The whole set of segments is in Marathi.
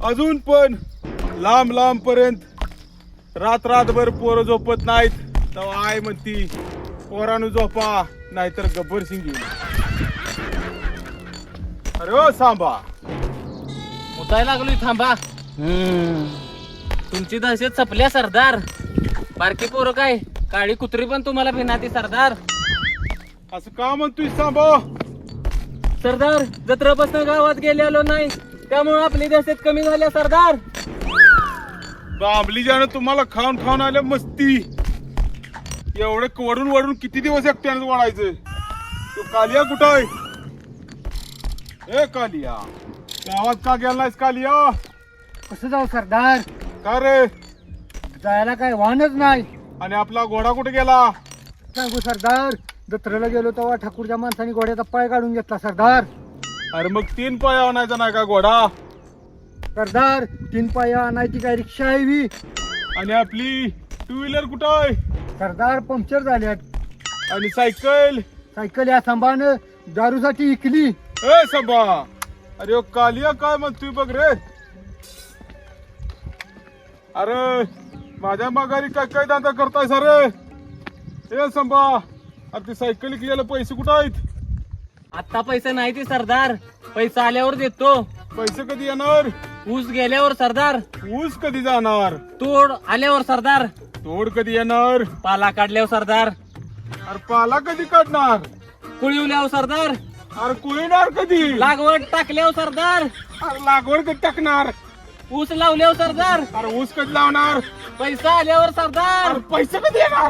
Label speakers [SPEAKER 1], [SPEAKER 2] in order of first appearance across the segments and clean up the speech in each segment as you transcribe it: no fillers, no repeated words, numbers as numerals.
[SPEAKER 1] अजून पण लांब लांब पर्यंत रात्रभर पोरं झोपत नाहीत. तेव्हा आई म्हणती पोरानु झोपा नाहीतर गब्बर सिंग येईल. अरे ओ सांबा
[SPEAKER 2] उठायला लागलोय थांबा. तुमची दहशत संपल्या सरदार. बारकी पोरं काय काळी कुत्री पण तुम्हाला भिनाती सरदार.
[SPEAKER 1] असं का म्हणतोय सांबा?
[SPEAKER 2] सरदार जत्रापासून गावात गेलेलो नाही त्यामुळे आपली दहशत कमी झाल्या सरदार.
[SPEAKER 1] बांबली ज्यानं तुम्हाला खाऊन खाऊन आल्या मस्ती. एवढे वडून वडून किती दिवस एकट्यानं वाढायचं? तो कालिया कुठं आहे? ए कालिया, गावात का गेला नाहीस कालिया?
[SPEAKER 3] कसं जाऊ सरदार?
[SPEAKER 1] का रे?
[SPEAKER 3] जायला काय वाहनच नाही.
[SPEAKER 1] आणि आपला घोडा कुठे गेला?
[SPEAKER 3] सांगू सरदार, जत्रेला गेलो तेव्हा ठाकूरच्या माणसाने घोड्याचा पाय काढून घेतला सरदार.
[SPEAKER 1] अरे मग 3 पाय आणायचा नाही का घोडा?
[SPEAKER 3] सरदार 3 पाया आणायची काय रिक्षा आहे बी?
[SPEAKER 1] आणि आपली 2 व्हीलर कुठं आहे?
[SPEAKER 3] सरदार पंक्चर झाल्यात.
[SPEAKER 1] आणि सायकल?
[SPEAKER 3] सायकल या सांभाळणं दारूसाठी इकली.
[SPEAKER 1] ए संभा, अरे ओ कालिया काय म्हणतोय बघ रे. अरे माझ्या माघारी काय काय दांदा करताय सर? ए संभा, अरे ते सायकल इकलेले पैसे कुठं आहेत?
[SPEAKER 2] आता पैसे नाही ते सरदार. पैसा आल्यावर देतो.
[SPEAKER 1] पैसे कधी येणार?
[SPEAKER 2] ऊस गेल्यावर सरदार.
[SPEAKER 1] ऊस कधी जाणार?
[SPEAKER 2] तोड आल्यावर सरदार.
[SPEAKER 1] तोड कधी येणार?
[SPEAKER 2] पाला काढल्यावर सरदार.
[SPEAKER 1] अरे पाला कधी काढणार?
[SPEAKER 2] कुळीवल्यावर सरदार.
[SPEAKER 1] अरे कुळीणार कधी?
[SPEAKER 2] लागवड टाकल्यावर सरदार.
[SPEAKER 1] अरे लागवड कधी टाकणार?
[SPEAKER 2] ऊस लावल्यावर सरदार.
[SPEAKER 1] अरे ऊस कधी लावणार?
[SPEAKER 2] पैसा आल्यावर सरदार.
[SPEAKER 1] अरे पैसे कधी येणार?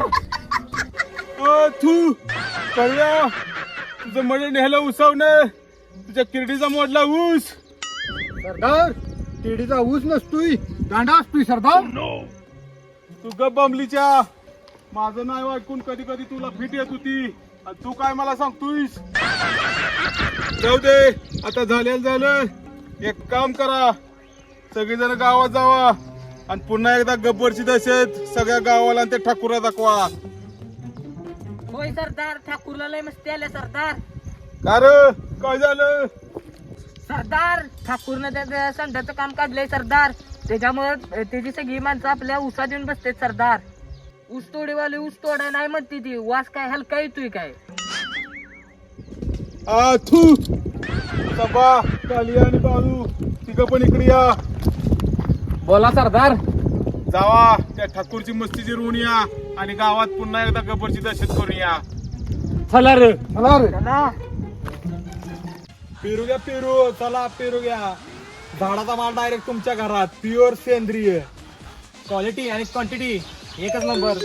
[SPEAKER 1] तू कळल्या तुझं मध्ये नेहलं उसवणं, तुझ्या किरडीचा मोडला ऊस.
[SPEAKER 3] सरदार केडीचा ऊस नसतोय, दांडा असतोय सरदार.
[SPEAKER 1] तू गप बमलीच्या. माझं नाव ऐकून कधी कधी तुला फिट येत होती आणि तू काय मला सांगतोयस? जाऊ दे, आता झालेलं झालं. एक काम करा, सगळीजण गावात जावा आणि पुन्हा एकदा गब्बरची दहशत सगळ्या गावाला आणि ते ठाकूरला दाखवा.
[SPEAKER 2] होय सरदार, ठाकूरला लय मस्ती आल्या सरदार.
[SPEAKER 1] का रे, काय झालं?
[SPEAKER 2] सरदार ठाकूरनं त्या संध्याचं काम काढलंय सरदार. त्याच्यामुळे त्याची सगळी माणसं आपल्या ऊसात येऊन बसते सरदार. ऊस तोडीवाले ऊस तोडाय नाही म्हणते ती. वास काय हलका येतोय काय?
[SPEAKER 1] थू सबा, कालिया आणि बाळू तिघ पण इकडे या.
[SPEAKER 2] बोला सरदार.
[SPEAKER 1] जावा त्या ठाकूरची मस्ती जिरवून या आणि गावात पुन्हा एकदा गब्बरची दहशत करून या.
[SPEAKER 2] चला रे.
[SPEAKER 3] चला रे.
[SPEAKER 1] पेरू घ्या, पेरू. चला पेरू घ्या. झाडाचा माल डायरेक्ट तुमच्या घरात, प्युअर सेंद्रिय.
[SPEAKER 2] क्वालिटी आणि क्वांटिटी एकच नंबर.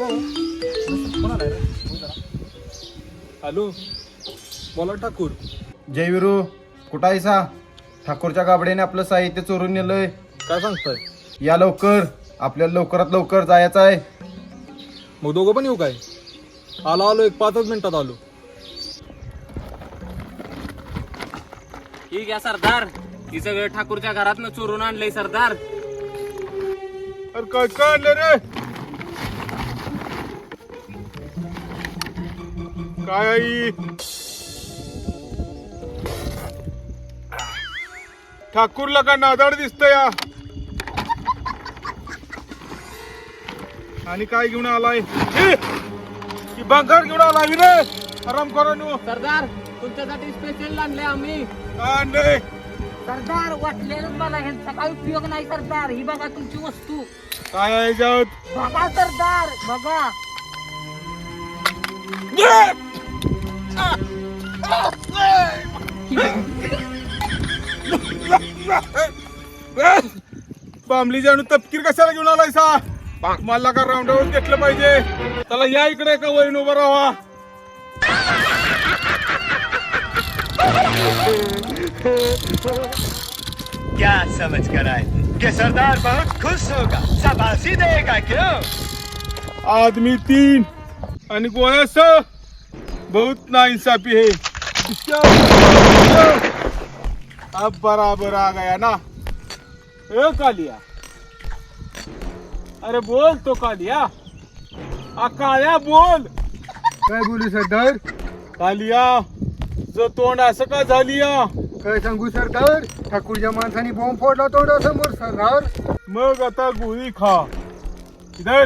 [SPEAKER 1] हॅलो, बोला ठाकूर.
[SPEAKER 4] जयवीरू कुठं आहे सा? ठाकूरच्या गाबड्याने आपलं साहित्य चोरून नेलंय.
[SPEAKER 1] काय सांगताय?
[SPEAKER 4] या लवकर, आपल्याला लवकरात लवकर जायचं आहे.
[SPEAKER 1] मग दोघं पण येऊ काय? आलो एक 5 मिनिटात आलो.
[SPEAKER 2] ठीक आहे सरदार. ही सगळं ठाकूरच्या घरातनं चोरून आणलंय सरदार.
[SPEAKER 1] अरे काय काय आणलं रे? काय आई? ठाकूरला का नादाड दिसत या? आणि काय घेऊन आलाय? की बंगार घेऊन आलाय रे? आराम करा नु.
[SPEAKER 2] सरदार तुमच्यासाठी स्पेशल आणले आम्ही.
[SPEAKER 1] काय आणलंय?
[SPEAKER 2] सरदार वाटलेलं मला ह्यांचा काही उपयोग नाही सरदार. ही बघा तुमची वस्तू.
[SPEAKER 1] काय आहे याच्यात?
[SPEAKER 2] बघा सरदार बघा.
[SPEAKER 1] बांबली जाणू तपकीर कशाला घेऊन आलाय सा? मला का राऊंडावर घेतलं पाहिजे. त्याला या इकडे का वरीन उभा राहा.
[SPEAKER 5] क्या समझ कर आए कि सरदार बहुत खुश होगा, शाबाशी देगा क्यों?
[SPEAKER 1] आदमी 3 आणि गोया स बहुत नाइंसाफी है. अब बराबर आ गया ना. ए कालिया, अरे बोल तो कालिया. काळ्या बोल.
[SPEAKER 3] काय बोलू सरदार?
[SPEAKER 1] कालिया, जो तोंड असं का झाली या?
[SPEAKER 3] काय सांगू सरदार, ठाकूरच्या माणसाने बॉम्ब फोडला तोंडासमोर सरदार.
[SPEAKER 1] मग आता गोळी खा. इधर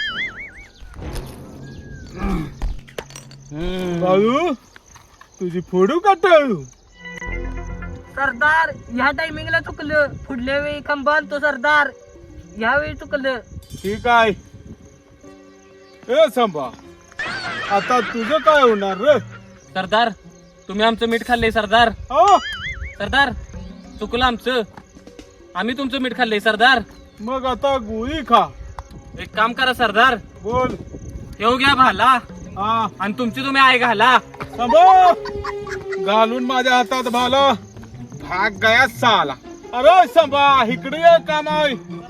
[SPEAKER 1] बाळू, तुझी फोडू का टाळू?
[SPEAKER 2] सरदार ह्या टायमिंगला चुकलं, पुढल्या वेळी खंबा आणतो सरदार, यावेळी चुकलं.
[SPEAKER 1] ठीक आहे. ए सांबा, आता तुझं काय होणार रे?
[SPEAKER 2] सरदार तुम्ही आमचं मीठ खाल्लंय सरदार.
[SPEAKER 1] हा?
[SPEAKER 2] सरदार चुकलं आमचं, आम्ही तुमचं मीठ खाल्लंय सरदार.
[SPEAKER 1] मग आता गोळी खा.
[SPEAKER 2] एक काम करा सरदार,
[SPEAKER 1] बोल.
[SPEAKER 2] येऊ घ्या भाला
[SPEAKER 1] हा
[SPEAKER 2] आणि तुमची तुम्ही आई घाला.
[SPEAKER 1] सांबा, घालून माझ्या हातात भाला, भाग गया साला. अरे सांबा, इकडे ये, काम आहे.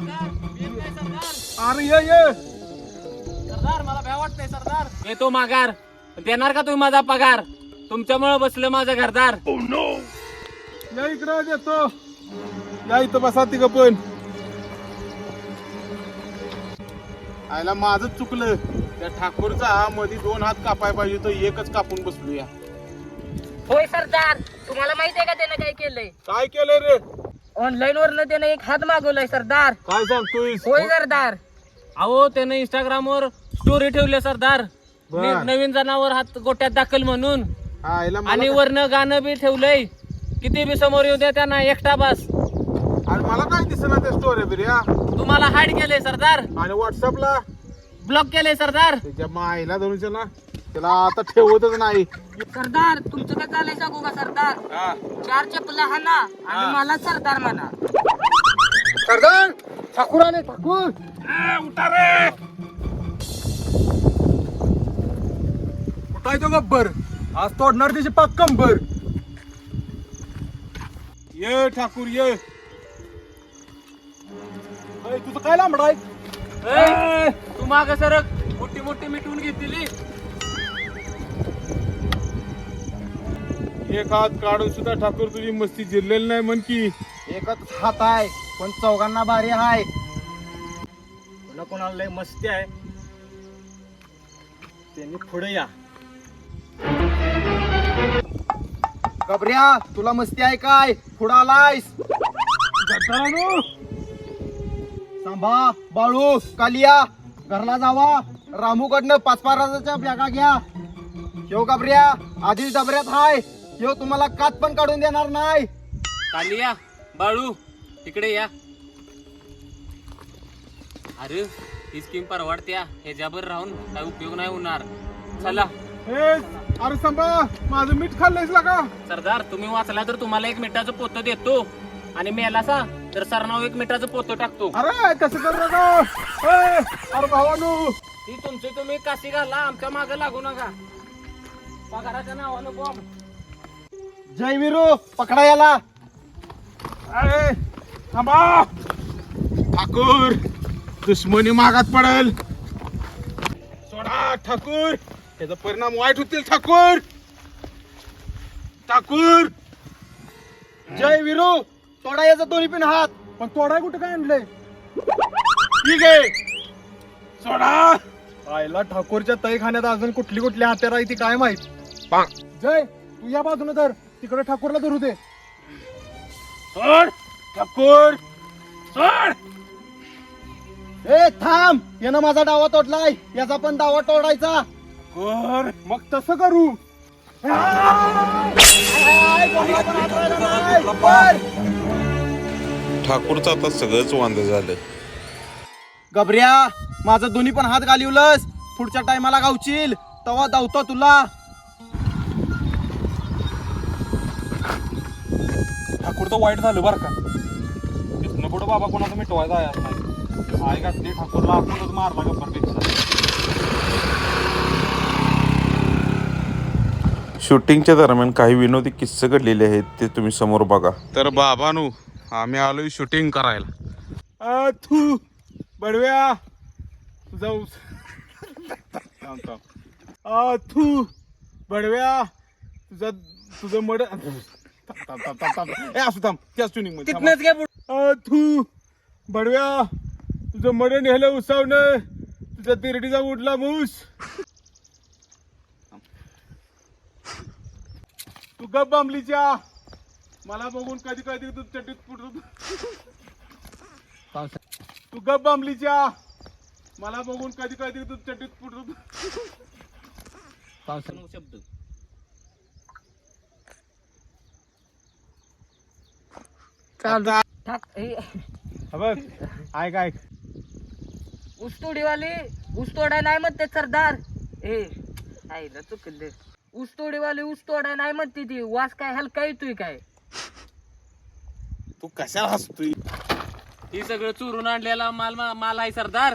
[SPEAKER 1] अरे ये.
[SPEAKER 2] सरदार मला भ्या वाटतंय सरदार. येतो माघार, देणार का तुम्ही माझा पगार? तुमच्यामुळे बसलं माझं घरदार.
[SPEAKER 1] या इकडे देतो. या इथं बसा तिघ पण. आयला माझं चुकलं. त्या ठाकूरचा मध्ये 2 हात कापाय पाहिजे, तो एकच कापून बसलूया.
[SPEAKER 2] होय सरदार, तुम्हाला माहिती आहे का त्यानं काय केलंय?
[SPEAKER 1] काय केलं रे?
[SPEAKER 2] ऑनलाईन वरनं त्यानं एक हात मागवलाय सरदार.
[SPEAKER 1] काय सांगतोय?
[SPEAKER 2] होय सरदार. अहो त्यानं इंस्टाग्राम वर स्टोरी ठेवली सरदार,
[SPEAKER 1] बर.
[SPEAKER 2] नवीन जनावर हात गोट्यात दाखल म्हणून,
[SPEAKER 1] आयला
[SPEAKER 2] आणि
[SPEAKER 1] मला
[SPEAKER 2] वरनं गाणं बी ठेवलंय, किती बी समोर येऊ द्या त्यांना एकटा बस.
[SPEAKER 1] आणि मला काय दिसना त्या स्टोरी बिर्या.
[SPEAKER 2] तुम्हाला हाईड केलंय सरदार,
[SPEAKER 1] आणि व्हॉट्सअपला
[SPEAKER 2] ब्लॉक केलंय सरदार.
[SPEAKER 1] त्याच्या मायला धरून ना, त्याला आता ठेवतच नाही.
[SPEAKER 2] सरदार तुमचं काय चाललंय सांगू का सरदार?
[SPEAKER 1] हा.
[SPEAKER 2] 4 चपला हाना
[SPEAKER 1] हा.
[SPEAKER 2] आणि मला सरदार म्हणा.
[SPEAKER 3] सरदार ठाकूर आले, ठाकूर.
[SPEAKER 1] उठा रे.
[SPEAKER 3] उठाय तो गब्बर, आज तोडणार त्याची पाक कंबर.
[SPEAKER 1] ये ठाकूर ये. अय, तुझं काय लांबड आहे?
[SPEAKER 2] ए, तू माग सरक, मोठी मोठी मिटवून घेतली.
[SPEAKER 1] एक हात काढून सुद्धा ठाकूर तुझी मस्ती जिरलेली नाही म्हण की.
[SPEAKER 4] एकच हात आहे पण चौघांना भारी आहे.
[SPEAKER 3] कोणाला लय मस्ती आहे त्यांनी पुढे या.
[SPEAKER 4] गबऱ्या, तुला मस्ती आहे काय? पुढं आलायस?
[SPEAKER 1] गटारानो,
[SPEAKER 4] सांभा, बाळू, कालिया, घरला जावा. रामूकडनं 5-5 बॅगा घ्या. ह्यो गबऱ्या आधीच डबऱ्यात हाय, ह्यो तुम्हाला कात पण काढून देणार नाही.
[SPEAKER 2] कालिया, बाळू इकडे या. अरे ही स्कीम परवडत्या, ह्याच्यावर राहून काय उपयोग नाही होणार. चला
[SPEAKER 1] ए, अरे संभा, माझं मीठ खाल्लंयस का?
[SPEAKER 2] सरदार, तुम्ही वाचला तर तुम्हाला 1 मिनिटाचं पोतं देतो, आणि मेलासा तर सरनाव 1 मिनिटाचं पोतं टाकतो.
[SPEAKER 1] अरे तसं कर नका. ए, अरे भावानू,
[SPEAKER 2] ती तुमची तुम्ही काशी घाला, आमच्या मागे लागू नका. पगाराच्या नावानं बॉम्ब.
[SPEAKER 4] जय विरू, पकडा याला.
[SPEAKER 1] अरे थांबा. ठाकूर, दुश्मनी मागात पडेल. सोडा ठाकूर, त्याचा परिणाम वाईट होतील. ठाकूर, ठाकूर.
[SPEAKER 4] जय विरू, तोडा याचा दोन्ही पण हात.
[SPEAKER 3] पण तोडाय कुठं काय आणलंय?
[SPEAKER 1] ठीक आहे, सोडा.
[SPEAKER 3] आयला ठाकूरच्या तैखान्यात अजून कुठली कुठली हत्यार आहे ती काय माहित. जय तू या बाजूने धर, तिकडे ठाकूरला धरू दे.
[SPEAKER 1] सोड ठाकूर, सोड.
[SPEAKER 4] ए थांब, यानं माझा डावा तोडलाय, याचा पण डावा तोडायचा.
[SPEAKER 1] कर, मग तसं करू.
[SPEAKER 6] ठाकूरचं आता सगळंच वांद झालं.
[SPEAKER 4] गबऱ्या, माझा दोन्ही पण हात घालिवलंस, पुढच्या टायमाला गावशील तवा धावतो तुला.
[SPEAKER 1] ठाकूर तर वाईट झालं बरं का. तिथनं पुढं बाबा कोणाचा मिटवायचा आहे नाही. आई घातली ठाकूरला, आपणच मारला गब्बरपेक्षा.
[SPEAKER 6] शूटिंगच्या दरम्यान काही विनोदी किस्से घडलेले आहेत, ते तुम्ही समोर बघा.
[SPEAKER 1] तर बाबानू, आम्ही आलोय शूटिंग करायला. तू बडव्या तुझा तू बडव्या तुझं मड असू थांब, त्याच ट्युनिंग मध्ये
[SPEAKER 2] तिथनच घे पुढं.
[SPEAKER 1] तू बडव्या तुझं मड नेहलं उसावणं, तुझ्या तिरडीचा उडला मूस. तू गप बांबलीच्या मला बघून कधी कधी तू चटीत फुटतो तू गप बांबलीच्या मला बघून कधी कधी तू चटीत फुटतो
[SPEAKER 2] शब्द चालू ठाक
[SPEAKER 1] बघ ऐक ऐक
[SPEAKER 2] ऊसतोडीवाले ऊस तोडाय नाही म्हणते सरदार ए आईला चुकले ऊसतोडीवाले ऊस तोडाय नाही म्हणते ती वास काय हलका येतोय काय
[SPEAKER 1] तू कशाला हसतोय
[SPEAKER 2] ही सगळं चोरून आणलेला माल आहे सरदार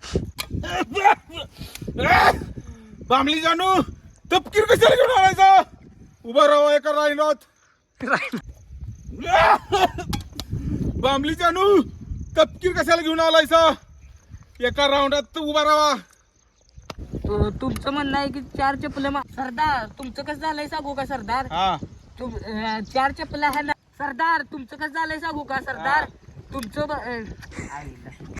[SPEAKER 1] बांबली जानू तपकीर कशाला घेऊन आणायचा उभा राहा एका राहिलोत बांबली जानू तपकीर कशाला घेऊन आलायचा एका राऊंडात उभा राहा
[SPEAKER 2] तुमचं म्हणणं आहे की 4 चप्पल सरदार तुमचं कसं झालंय सांगू का सरदार
[SPEAKER 1] हा
[SPEAKER 2] 4 चप्पल आहे ना सरदार तुमचं कसं झालंय सांगू का सरदार तुमचं